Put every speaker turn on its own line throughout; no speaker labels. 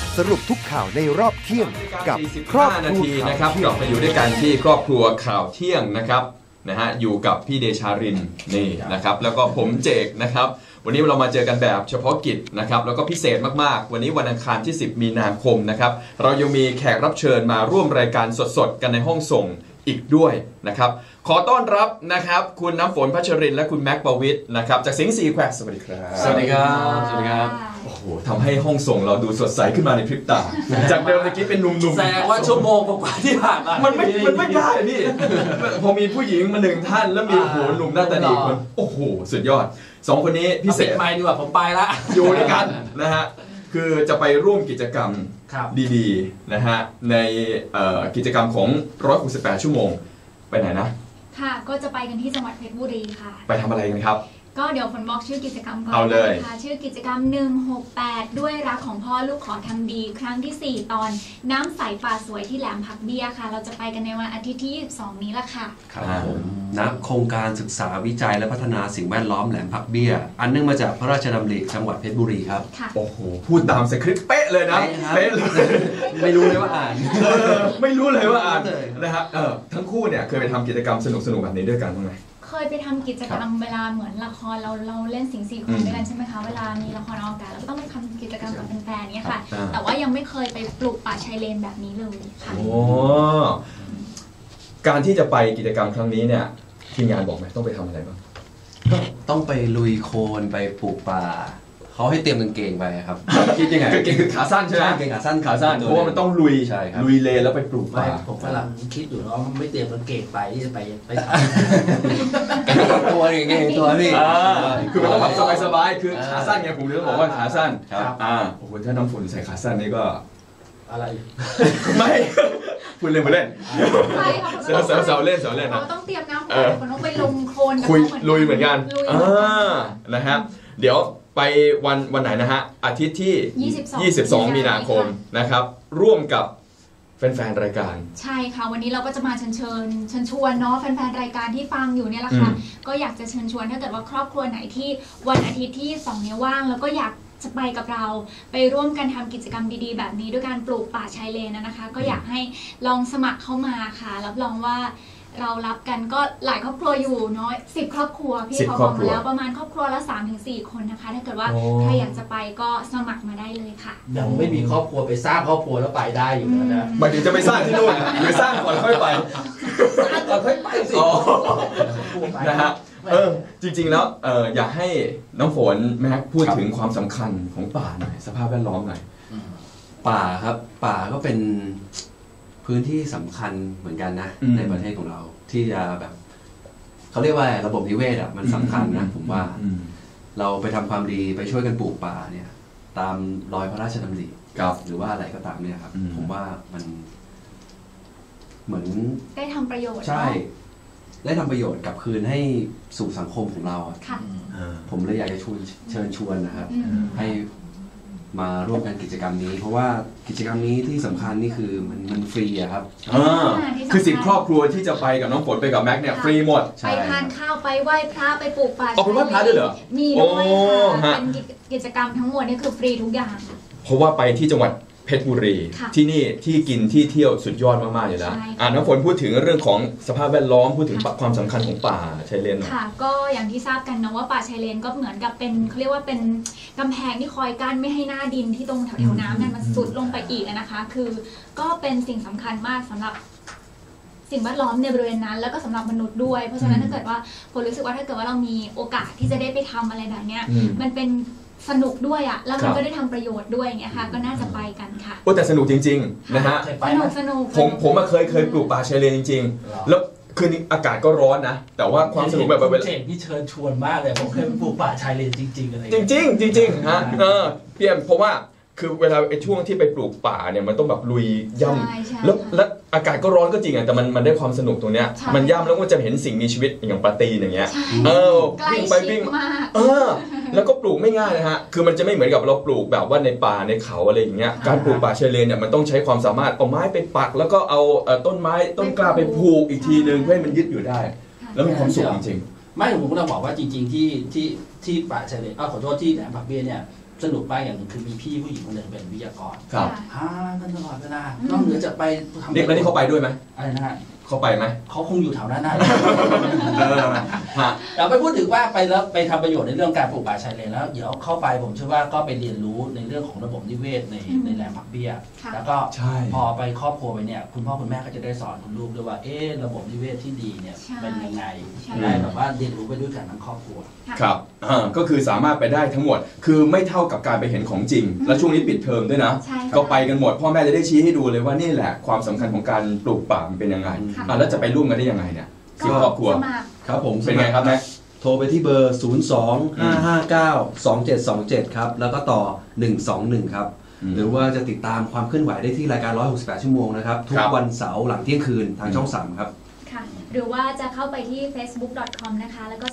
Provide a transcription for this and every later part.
สรุปทุกข่าวในรอบเที่ยงกับครอบครัว
นาทีนะครับกลับมาอยู่ด้วยกันที่ครอบครัวข่าวเที่ยงนะครับอยู่กับพี่เดชารินนี่นะครับแล้วก็ผมเจกนะครับวันนี้เรามาเจอกันแบบเฉพาะกิจนะครับแล้วก็พิเศษมากๆวันนี้วันอังคารที่10มีนาคมนะครับเรายังมีแขกรับเชิญมาร่วมรายการสดๆกันในห้องส่งอีกด้วยนะครับขอต้อนรับนะครับคุณน้ำฝนพัชรินและคุณแม็กประวิทย์นะครับจากสิงห์4 แควร์สวัสดีครับ
สวัสดีครับสวัสดีครับ
โอ้โหทำให้ห้องส่งเราดูสดใสขึ้นมาในพริบตาจากเดิมเมื่อกี้เป็นหนุ่มๆ
แสดงว่าชั่วโมงกว่าที่ผ่านมา
มันไม่ได้พี่พอมีผู้หญิงมา1ท่านแล้วมีโหหนุ่มหน้าตาดีคนโอ้โหสุดยอด2คนนี้พิเศษ
ไม่ดีกว่าผมไปละ
อยู่ด้วยกันนะฮะคือจะไปร่วมกิจกรรมดีๆนะฮะในกิจกรรมของ168ชั่วโมงไปไหนนะ
ค่ะก็จะไปกันที่จังหวัดเพชรบุรีค่ะ
ไปทำอะไรกันครับ
ก็เดี๋ยวฝนบอกชื่อกิจกรรมก่อน
เอาเลย
ค่ะชื่อกิจกรรม168ด้วยรักของพ่อลูกขอทำดีครั้งที่4ตอนน้ำใสป่าสวยที่แหลมผักเบี้ยค่ะเราจะไปกันในวันอาทิตย์ที่22นี้ละค่ะ
ครับผมณโครงการศึกษาวิจัยและพัฒนาสิ่งแวดล้อมแหลมผักเบี้ยอันเนื่องมาจากพระราชดำริจังหวัดเพชรบุรีครับ
โอ้โหพูดตามสคริปต์เป๊ะเลยนะเป๊ะเลย
ไม่รู้เลยว่าอ่าน
ไม่รู้เลยว่าอ่านนะฮะทั้งคู่เนี่ยเคยไปทำกิจกรรมสนุกๆแบบนี้ด้วยกันบ้างไหม
เคยไปทำกิจกรรมเวลาเหมือนละครเราเล่นสิงห์4 คนด้วยกันใช่ไหมคะเวลามีละครออกอากาศเราก็ต้องไปทำกิจกรรมกับแฟนๆเนี่ยค่ะแต่ว่ายังไม่เคยไปปลูกป่าชายเลนแบบนี้เลยค่ะ
โอ้การที่จะไปกิจกรรมครั้งนี้เนี่ยทีมงานบอกไหมต้องไปทำอะไรบ้าง
ต้องไปลุยโคลนไปปลูกป่าเขาให้เตรียมกางเกงไปครับคิดยังไง
กางเกงคือขาสั้นใช่ไหม
กางเกงขาสั้น
เพราะว่ามันต้องลุยลุยเลนแล้วไปปลูกป่า
ผมกำลังคิดอยู่ว่าไม่เตรียมกางเกงไปที่จะไป
ตัวอย่างเงี้ยตัวพี่
คือมันต้องแบบสบายๆคือขาสั้นไงผมเลยต้องบอกว่าขาสั้นโอ้โหถ้าน้ำฝนใส่ขาสั้นนี่ก็
อะไร
ไม่พูดเล่นมาเล่นเสาเล่น
เราต้องเตรียมน้ำฝนต้องไปลงโคลน
คุยลุยเหมือนกันนะฮะเดี๋ยวไปวันไหนนะฮะอาทิตย์ที่22มีนาคมนะครับร่วมกับแฟนๆรายการ
ใช่ค่ะวันนี้เราก็จะมาเชิญชวนเนาะแฟนๆรายการที่ฟังอยู่เนี่ยแหละค่ะก็อยากจะเชิญชวนถ้าเกิดว่าครอบครัวไหนที่วันอาทิตย์ที่2นี้ว่างแล้วก็อยากจะไปกับเราไปร่วมกันทำกิจกรรมดีๆแบบนี้ด้วยการปลูกป่าชายเลนนะคะก็อยากให้ลองสมัครเข้ามาค่ะรับรองว่าเรารับกันก็หลายครอบครัวอยู่เนาะ10 ครอบครัวพี่เขาบอกมาแล้วประมาณครอบครัวละ 3-4 คนนะคะถ้าเกิดว่าใครอยากจะไปก็สมัครมาได้เลยค่ะ
ยังไม่มีครอบครัวไปสร้างครอบครัวแล้วไปได้อยู่นะ
หมายถึงจะไปสร้างที่นู่นหรือสร้างก่อนค่อยไป
สร้างก่อนค่อยไปสิ
นะฮะจริงๆแล้วอยากให้น้องฝนแม็กพูดถึงความสำคัญของป่าหน่อยสภาพแวดล้อมหน่อย
ป่าครับป่าก็เป็นพื้นที่สำคัญเหมือนกันนะในประเทศของเราที่จะแบบเขาเรียกว่าระบบนิเวศอ่ะมันสำคัญนะผมว่าเราไปทำความดีไปช่วยกันปลูกป่าเนี่ยตามรอยพระราชดำริหรือว่าอะไรก็ตามเนี่ยครับผมว่ามันเหมือน
ได้ทำประโยชน์
ใช่ได้ทำประโยชน์กลับคืนให้สู่สังคมของเราผมเลยอยากจะเชิญชวนนะครับให้มาร่วมกันกิจกรรมนี้เพราะว่ากิจกรรมนี้ที่สำคัญนี่คือมันฟรีอะครับ
คือ10 ครอบครัวที่จะไปกับน้องฝนไปกับแม็กเนี่ยฟรีหมด
ไปทานข้าวไปไหว้พระไปปลูกป่า
ไปไหว้พระด้วยเหรอ
มีด้วยค่ะเป็นกิจกรรมทั้งหมดนี่คือฟรีทุกอย่าง
เพราะว่าไปที่จังหวัดเพชรบุรีที่นี่ที่กินที่เที่ยวสุดยอดมากๆอยู่แล้วน้องฝนพูดถึงเรื่องของสภาพแวดล้อมพูดถึงความสำคัญของป่าชายเลน
ค่ะก็อย่างที่ทราบกันนะว่าป่าชายเลนก็เหมือนกับเป็นเขาเรียกว่าเป็นกำแพงที่คอยกั้นไม่ให้หน้าดินที่ตรงแถวๆน้ำนั้นมันสุดลงไปอีกนะคะคือก็เป็นสิ่งสำคัญมากสำหรับสิ่งแวดล้อมในบริเวณนั้นแล้วก็สำหรับมนุษย์ด้วยเพราะฉะนั้นถ้าเกิดว่าผมรู้สึกว่าถ้าเกิดว่าเรามีโอกาสที่จะได้ไปทำอะไรแบบนี้มันเป็นสนุกด้วยอ่ะแล้วมันก็ได้ทำประโยชน์ด้วยอย่างเงี้ยค่ะก็น่าจะไปกันค่ะ
โอ้แต่สนุกจริงๆนะฮะ
สนุก
ผมเคยปลูกป่าชายเลนจริงๆแล้วคืนนี้อากาศก็ร้อนนะแต่ว่าความสนุกแบบ
เจ๋งที่เชิญชวนมากเลยผมเคยปลูกป่าชายเลนจริงๆอะไร
จริงฮะพี่เอ็มเพราะว่าคือเวลาไอ้ช่วงที่ไปปลูกป่าเนี่ยมันต้องแบบลุยย่ำแล้วอากาศก็ร้อนก็จริงอ่ะแต่มันได้ความสนุกตรงเนี้ยมันย่ำแล้วก็จะเห็นสิ่งมีชีวิตอย่างปลาตีนอย่างเงี้ย
วิ่งไปวิ่งมา
แล้วก็ปลูกไม่ง่ายนะฮะคือมันจะไม่เหมือนกับเราปลูกแบบว่าในป่าในเขาอะไรอย่างเงี้ยการปลูกป่าชายเลนเนี่ยมันต้องใช้ความสามารถเอาไม้ไปปักแล้วก็เอาต้นไม้ต้นกล้าไปผูกอีกทีนึงเพื่อให้มันยึดอยู่ได้แล้วมีความสุขจริง
ๆไม่ผมก็ต้องบอกว่าจริงๆที่ป่าชายเลนขอโทษที่แหลมผักเบี้ยเนี่ยสนุกมากอย่างหนึงคือมีพี่ผู้หญิงคนหนึ่งเป็นวิทยากร
ครับ
กันตลอดเวลานอกเหนือจากไปทำ
เด็กแล้วนี่เขาไปด้วยไหม
อะไรนะฮะ
เขาไปไหม
เขาคงอยู่แถวนั้นนะ
ฮะ
เราไปพูดถึงว่าไปแล้วไปทำประโยชน์ในเรื่องการปลูกป่าชายเลนแล้วเดี๋ยวเข้าไปผมเชื่อว่าก็ไปเรียนรู้ในเรื่องของระบบนิเวศในแหลมผักเบี้ย
ค่ะ
แล้วก็
ใช่
พอไปครอบครัวไปเนี่ยคุณพ่อคุณแม่ก็จะได้สอนคุณลูกด้วยว่าระบบนิเวศที่ดีเนี่ย
ใช่
เป็นยังไง
ใช่
ได้แบบว่าเรียนรู้ไปด้วยกันทั้งครอบครัว
ครับก็คือสามารถไปได้ทั้งหมด คือไม่เท่ากับการไปเห็นของจริง และช่วงนี้ปิดเทอมด้วยนะ
ใช่ค่ะ
ก็ไปกันหมด พ่อแม่จะได้ชี้ให้ดูเลยว่านี่แหละความสำคัญของการปลูกป่ามันเป็นยังไง
ค่ะ
แล้วจะไปร่วมกันได้ยังไงเนี่ยที่ครอบครัว
สมัคร
ครับผม
เป็นไงครับแม่
โทรไปที่เบอร์ 02-559-2727 ครับ แล้วก็ต่อ 121 ครับ หรือว่าจะติดตามความเคลื่อนไหวได้ที่รายการ 168 ชั่วโมงนะครับ ทุกวันเสาร์หลังเที่ยงคืนทางช่อง 3 ครับ
ค่ะ หรือว่าจะเข้าไปที่ facebook.com นะคะ แล้วก็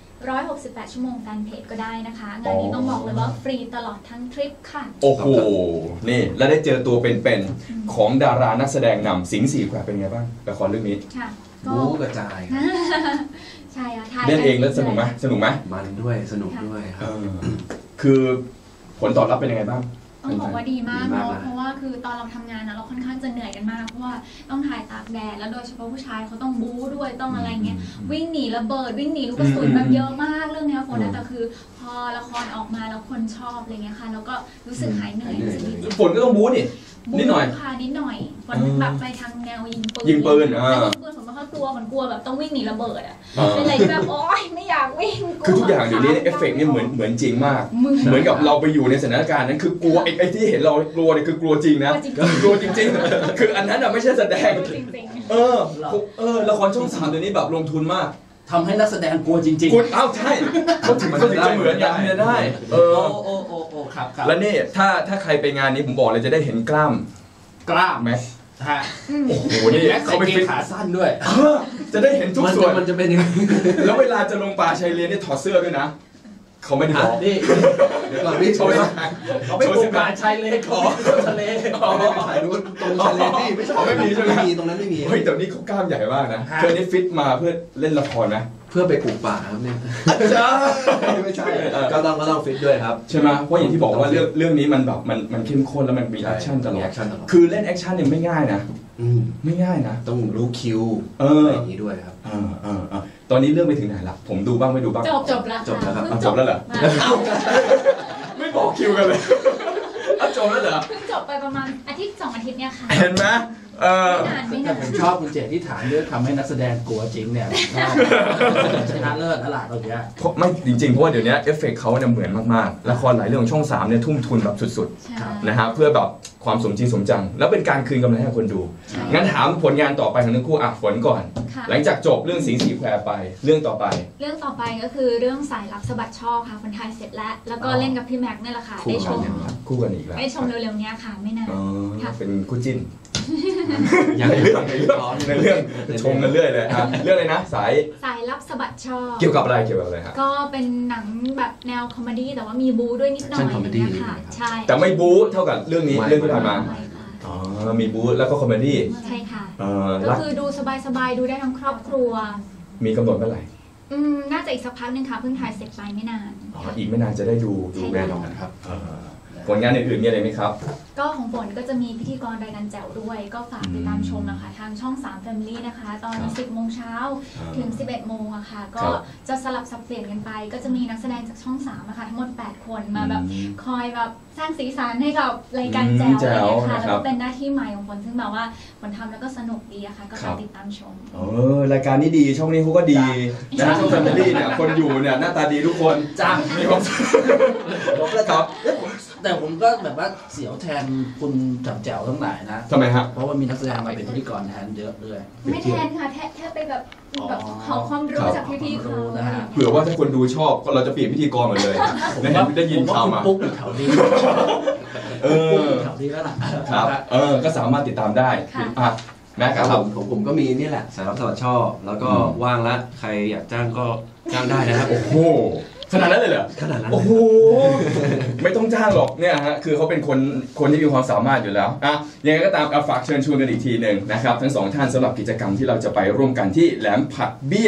/168 ชั่วโมงแฟนเพจก็ได้นะคะ งานนี้ต้องบอกเลยว่าฟรีตลอดทั้งทริปค่ะ
โอ้โห นี่แล้วได้เจอตัวเป็นๆของดารานักแสดงนำสิงห์สี่แควเป็นไงบ้างละครเรื่องนี้
ค่ะ ก็
บู๊กระจายครับ
ใช่ค่ะถ่าย
เล่นเองแล้วสนุกไหมสนุกไหม
มันด้วยสนุกด้วยครับ
คือผลตอบรับเป็นยังไงบ้าง
ต้องบอกว่าดีมาก
ดีมาก
เนาะ
นะ
เพราะว่าคือตอนเราทำงานนะเราค่อนข้างจะเหนื่อยกันมากเพราะว่าต้องถ่ายตากแดดแล้วโดยเฉพาะผู้ชายเขาต้องบู๊ด้วยต้องอะไรเงี้ยวิ่งหนีระเบิดวิ่งหนีลูกกระสุนแบบเยอะมากเรื่องเนี้ยฝนนะแต่คือพอละครออกมาแล้วคนชอบอะไรเงี้ยค่ะแล้วก็รู้สึกหายเหนื่อยรู้สึกดีใจ
ฝนก็ต้องบู๊นี่ นิดหน่อย
ค่ะนิดหน่อยฝนแบบไปทางแนวยิงปืน
ยิงปืน
แต่ยิงปืนผมไม่ค่อยกลัวผมกลัวแบบต้องวิ่งหนีระเบิดอ่ะ
อ่า
เป็นอะไรที่แบบโอ๊ยไม่อยากวิ่งลัว
คือทุกอย่างเดี๋ยวนี้เอฟเฟกต์นี่เหมือนจริงมาก เหมือนกับเราไปอยู่ในสถานการณ์นั้นคือกลัวไอ้ที่เห็นเรากลัวเนี่ยคือกลัวจริงนะ กลัวจริงๆ คืออันนั้นอะไม่ใช่แสดง
จริง
ละครช่อง 3เดี๋ยวนี้แบบลงทุนมาก
ทำให้นักแสดงกลัวจริง
คุณใช่เขาถึงจะเหมือนกันเนี่ยได้
โอ้ครับ
แล้วนี่ถ้าใครไปงานนี้ผมบอกเลยจะได้เห็นกล้าม
กล้า
ไหม
ฮะ
โอ้โหนี่
แม็ก
เขา
ใส่
ไป
เก
ฟิ
ง
ต
ขาสั้นด้วย
จะได้เห็นทุกส่วน
มันจะเป็นยังไง
แล้วเวลาจะลงป่าชายเลนนี่ถอดเสื้อด้วยนะเขาไม่ได้บอก
นี่
เดี๋ยวก่อนพี่โชว์
เขาไม่ปลูกป่าชายเลนเขาไปเที่ยวทะเล
ถ่ายรูปตรงทะเลนี่ไม่ใช่
ไม่มีใช่ไหม
ไม่มีตรงนั้นไม่มี
เฮ้ยแต่นี่เขากล้ามใหญ่มากนะเธอนี่ฟิตมาเพื่อเล่นละครนะ
เพื่อไปปลูกป่าครับเนี่ย
จ้า
ไม่ใช่ก็ต้องฟิตด้วยครับ
ใช่ไหมเพราะอย่างที่บอกว่าเรื่องนี้มันแบบมันเข้มข้นแล้วมันมีแอคชั่นตลอ
มี
ด
แอคชั่นตลอด
คือเล่นแอคชั่นเนี่ยไม่ง่ายนะ ไม่ง่ายนะ
ต้องรู้คิว
เอออ
อะไรอย่างนี้ด้วยครับ
ตอนนี้เรื่องไปถึงไหนละผมดูบ้างไม่ดูบ้าง
จบแล้ว
จบแล้วครับ
เพิ่ง
จบแล้วเหรอ ไม่บอกคิวกันเลยจบแล้วเหรอ
เพิ่งจบไปประมาณอาทิตย์2 อาทิตย์เนี่ยค่ะ
เห็นไหม
ไม่
แต่
นาน
ผมชอบคุณเจตที่ถามเรื่องทำให้นักแสดงกลัวจริงเนี่ยชนะเลิศตลาดเราเนี้ย
ไม่จริงๆเพราะว่าเดี๋ยวนี้เอฟเฟกต์เขาเนี่ยเหมือนมากๆละครหลายเรื่องของช่อง 3เนี่ยทุ่มทุนแบบสุด
ใช่
ๆนะฮะเพื่อแบบความสมจริงสมจัง แล้วเป็นการคืนกำไรให้คนดู
ใช่
งั้นถามผลงานต่อไปของทั้งคู่ฝนก่อน
ค่ะ
หลังจากจบเรื่องสิงห์สีแควไปเรื่องต่อไป
เรื่องต่อไปก็คือเรื่องสายลับสะบัดช่อค่ะคนไทยเสร็จแล้ว แล้วก็เล่นกับพี่แม็กซ์นี่แหละค่ะ
คู่
ได้ชม
กันครับ
คู่กันอีกแล้ว
ได้ชมเร็วๆเนี้ยค่ะ ไม่นาน
อ๋อ
ค่ะ
เป็นคู่จิ้น
ยัง
ในเรื่องชมกันเรื่อยเลยเรื่องอะไรนะสาย
สายลับสะบัดช่อ
เกี่ยวกับอะไรฮะ
ก็เป็นหนังแบบแนวคอมเมดี้แต่ว่ามีบูด้วยนิดหน่อย
Action comedy
อย่างเงี้ยค่ะ ใช่
แต่ไม่บู๊เท่ากับเรื่องนี้
ไม่
เรื่องที่ผ่านมา
ใช่ค่ะ
อ๋อมีบู๊แล้วก็คอมเมดี้
ใช่ค่ะ ก็
รัก
คือดูสบายๆ ดูได้ทั้งครอบครัว
มีกำหนดเมื่อไหร่
น่าจะอีกสักพักหนึงค่ะ เพิ่งถ่ายเสร็จไปไม่นาน
อีกไม่นานจะได้ดู
ใช่
แน่นอนครับ
ผลงานอื่นๆมีอะไรไหมครับ
ก็ของฝนก็จะมีพิธีกรรายการแจ๋วด้วย ก็ฝากติดตามชมนะคะ ทางช่อง 3 Family นะคะ ตอน 10 โมงเช้าถึง 11 โมงอะค่ะ ก็จะสลับสับเปลี่ยนกันไป ก็จะมีนักแสดงจากช่อง 3อะค่ะทั้งหมด 8 คนมาแบบคอยแบบสร้างสีสันให้กับรายการแจ๋วอะไรอย่างเงี้ยค่ะ แล้วก็เป็นหน้าที่ใหม่ของฝนซึ่งแบบว่าฝนทำแล้วก็สนุกดีอะค่ะ ก็ฝากติดตามชม
รายการนี้ดีช่องนี้เขาก็ดีนะช่องแฟมิลี่เนี่ยคนอยู่เนี่ยหน้าตาดีทุกคน
จ้าง
มีความสุขครับ
แต่ผมก็แบบว่าเสียวแทนคุณจับแจ๋วทั้งหลายนะ
ทำไมฮะ
เพราะว่ามีนักแสดงมาเป็นพิธีกรแทนเยอะด้วย
ไม่แทนค่ะแค่ไปแบบขอความรู้จากพี่ๆเขา
นะฮะ
เผื่อว่าถ้าคนดูชอบก็เราจะเปลี่ยนพิธีกรหมดเลยได้ยินข่าวมา
ผมว่าคุณปุ๊กอยู่แถวนี้ปุ๊กอยู่แถวนี้แล้วล่ะ
ครับก็สามารถติดตามได้แม่ค
ครั
รั
บบ ผมก็มีนี่แหละสายรับสวัสดิ์ชอบแล้วก็ว่างละใครอยากจ้างก็จ้างได้นะครับ
โอ้โหขนาดนั้นเลยเหรอ
ขนาดนั้น
โอ้โหไม่ต้องจ้างหรอกเนี่ยฮะคือเขาเป็นคนที่มีความสามารถอยู่แล้วยังไงก็ตามฝากเชิญชวนกันอีกทีหนึ่งนะครับทั้งสองท่านสำหรับกิจกรรมที่เราจะไปร่วมกันที่แหลมผักเบี้ย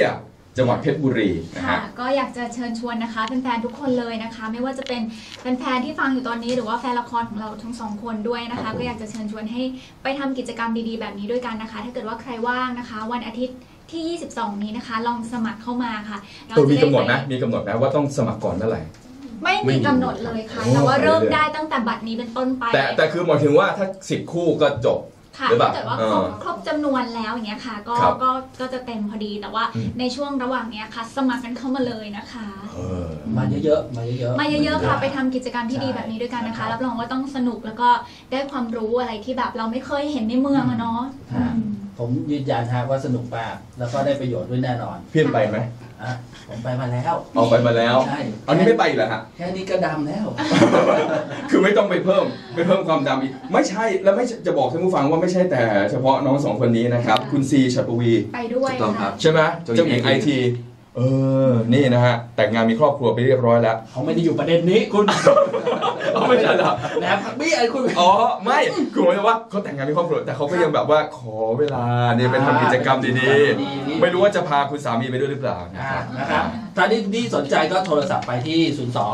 จังหวัดเพชรบุรีนะ
ค่ะ
ฮะ
ก็อยากจะเชิญชวนนะคะแฟนๆทุกคนเลยนะคะ ไม่ว่าจะเป็นแฟนๆที่ฟังอยู่ตอนนี้หรือว่าแฟนละครของเราทั้งสองคนด้วยนะ
ครั
คะ
บผม
ก็อยากจะเชิญชวนให้ไปทำกิจกรรมดีๆแบบนี้ด้วยกันนะคะ ถ้าเกิดว่าใครว่างนะคะ วันอาทิตย์ที่ 22 นี้นะคะ ลองสมัครเข้ามาค่ะเรา
ตัวมี
จะได้
กำหนด
ไป
นะมีกำหนดนะว่าต้องสมัครก่อนเมื่อไหร่
ไม่มีกำหนดเลยค่ะ
โอ้
แต่ว่าเริ่ม
ไปเรื่อยๆ
ได้ตั้งแต่บัดนี้เป็นต้นไป
แต่คือหมายถึงว่าถ้า10 คู่ก็จบ
ค่ะ
หรือเปล่า
ถ้าเกิดว่าครบจำนวนแล้วอย่างเงี้ยค่ะก็
ครับ
ก็จะเต็มพอดีแต่ว่า
อืม
ในช่วงระหว่างเนี้ยค่ะ สมัครกันเข้ามาเลยนะคะ
มาเยอะๆมาเยอะๆ
มาเยอะๆค่ะไปทำกิจกรรมที่ดีแบบนี้ด้วยกันนะคะ รับรองว่าต้องสนุกแล้วก็ได้ความรู้อะไรที่แบบเราไม่เคยเห็นในเมืองอะเนาะ
ค่ะ ผมยืนยันฮะว่าสนุกมากแล้วก็ได้ประโยชน์ด้วยแน่นอน
เพี้ยนไปไหม
อ่ะผมไปมาแล้ว
เอาไปมาแล้ว
ใช่
เอานี้ไม่ไปอีกเหรอฮะ
แค่นี้ก็ดำแล้ว
คือไม่ต้องไปเพิ่มความดำอีกไม่ใช่แล้วไม่จะบอกท่านผู้ฟังว่าไม่ใช่แต่เฉพาะน้องสองคนนี้นะครับ คุณซีชัดปวี
ไปด้วย
ถูกต้องครั
ค่ะ
บ
ใช่ไหมเจ้าหญิงไอทีนี่นะฮะแต่งงานมีครอบครัวไปเรียบร้อยแล้ว
เขาไม่ได้อยู่ประเด็นนี้คุณ
เอาไม่ใช่เหรอ
แหลมพักบี้ไอ้คุณ
อ๋อไม่คือหมายถึงว่าเขาแต่งงานมีครอบครัวแต่เขาก็ยังแบบว่าขอเวลาเนี่ยเป็นทำกิจกรรมดีๆไม่รู้ว่าจะพาคุณสามีไปด้วยหรือเปล่านะครับ
นะครับถ้าที่สนใจก็โทรศัพท์ไปที่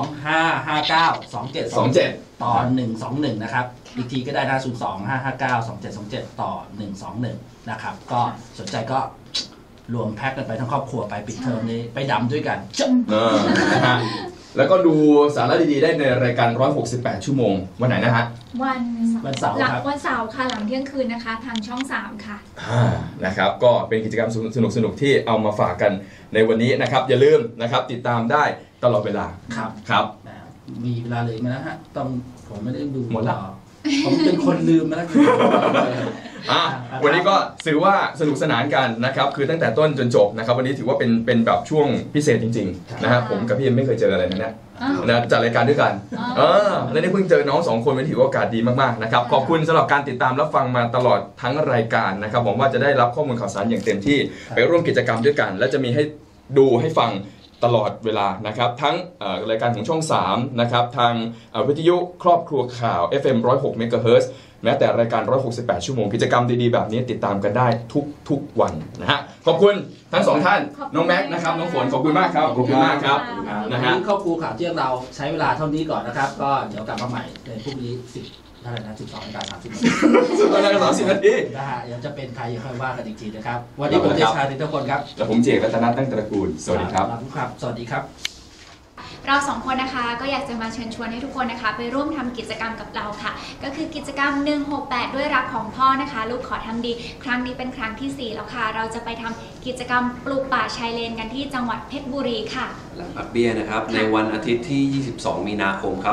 02-559-2727 ต่อ 121 นะครับ อีกทีก็ได้นะ 02-559-2727 ต่อ 121 นะครับ ก็สนใจก็รวมแพ็กกันไปทั้งครอบครัวไปปิดเทอมนี้ไปดำด้วยกัน
นะฮะแล้วก็ดูสาระดีๆได้ในรายการ168 ชั่วโมงวันไหนนะฮะ
วันเสาร์
วันเสาร์ครับ
วันเสาร์ค่ะหลังเที่ยงคืนนะคะ ทางช่อง 3 ค่ะ
นะครับก็เป็นกิจกรรมสนุกๆที่เอามาฝากกันในวันนี้นะครับอย่าลืมนะครับติดตามได้ตลอดเวลา
ครับ
ครับ
มีเวลาเหลยไหมนะฮะต้องผมไม่ได้ดู
หมดละ
ผมเป็นคนลืมมาแล้ว
วันนี้ก็ถือว่าสนุกสนานกันนะครับคือตั้งแต่ต้นจนจบนะครับวันนี้ถือว่าเป็นแบบช่วงพิเศษจริงๆนะฮะผมกับพี่เอ็มไม่เคยเจออะไรนะเนี่ย
อ้าว
นะจัดรายการด้วยกัน
อ๋อ
แล้วนี่เพิ่งเจอน้องสองคนเป็นถือว่าโอกาสดีมากๆนะครับขอบคุณสำหรับการติดตามรับฟังมาตลอดทั้งรายการนะครับหวังว่าจะได้รับข้อมูลข่าวสารอย่างเต็มที่ไปร่วมกิจกรรมด้วยกัน และจะมีให้ดูให้ฟังตลอดเวลานะครับทั้งรายการของช่อง 3 นะครับทางวิทยุครอบครัวข่าว FM 106 MHz แม้แต่รายการ168 ชั่วโมงกิจกรรมดีๆแบบนี้ติดตามกันได้ทุกวันนะฮะขอบคุณทั้งสองท่านน้องแม็กซ์นะครับน้องฝนขอบคุณมากครับขอบคุณมากครับ
นะ
นะ
ฮะ
ฮะ
ครอบครัวข่าวเที่ยงเราใช้เวลาเท่านี้ก่อนนะครับ ก็เดี๋ยวกลับมาใหม่ในพรุ่งนี้10 เท่าไหร่นะ12:30 นาที
สุดท้ายก็30 นาที
นะฮะเดี๋ยวจะเป็นใครยังค่อยว่ากันอีกทีนะครับ วันนี้ผมเดชาทุกคนครับ
และผมเจกรัตนตั้งตระกูลสวัสดีครับ
ครับสวัสดีครับ
เราสองคนนะคะก็อยากจะมาเชิญชวนให้ทุกคนนะคะไปร่วมทำกิจกรรมกับเราค่ะก็คือกิจกรรม168ด้วยรักของพ่อนะคะลูกขอทำดีครั้งนี้เป็นครั้งที่ 4 แล้วค่ะเราจะไปทำกิจกรรมปลูกป่าชายเลนกันที่จังหวัดเพชรบุรีค่ะ
แหลมผักเบี้ยนะครับในวันอาทิตย์ที่ 22 มีนาคมครับ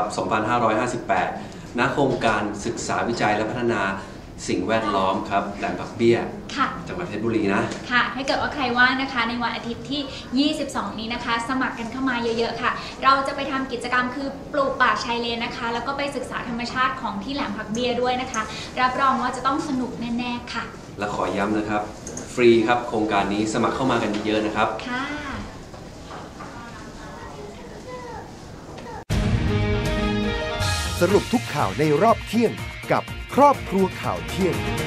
2558 ณ โครงการศึกษาวิจัยและพัฒนาสิ่งแวดล้อมครับแหลมผักเบี้ย
ค่ะ
จังหวัดเพชรบุรีนะ
ค่ะถ้าเกิดว่าใครว่างนะคะในวันอาทิตย์ที่ 22 นี้นะคะ สมัครกันเข้ามาเยอะๆค่ะ เราจะไปทำกิจกรรมคือปลูกป่าชายเลนนะคะ แล้วก็ไปศึกษาธรรมชาติของที่แหลมผักเบี้ยด้วยนะคะ รับรองว่าจะต้องสนุกแน่ๆค่ะ
และขอย้ำนะครับ ฟรีครับโครงการนี้สมัครเข้ามากันเยอะนะครับ
ค่ะ
สรุปทุกข่าวในรอบเที่ยงกับครอบครัวข่าวเที่ยง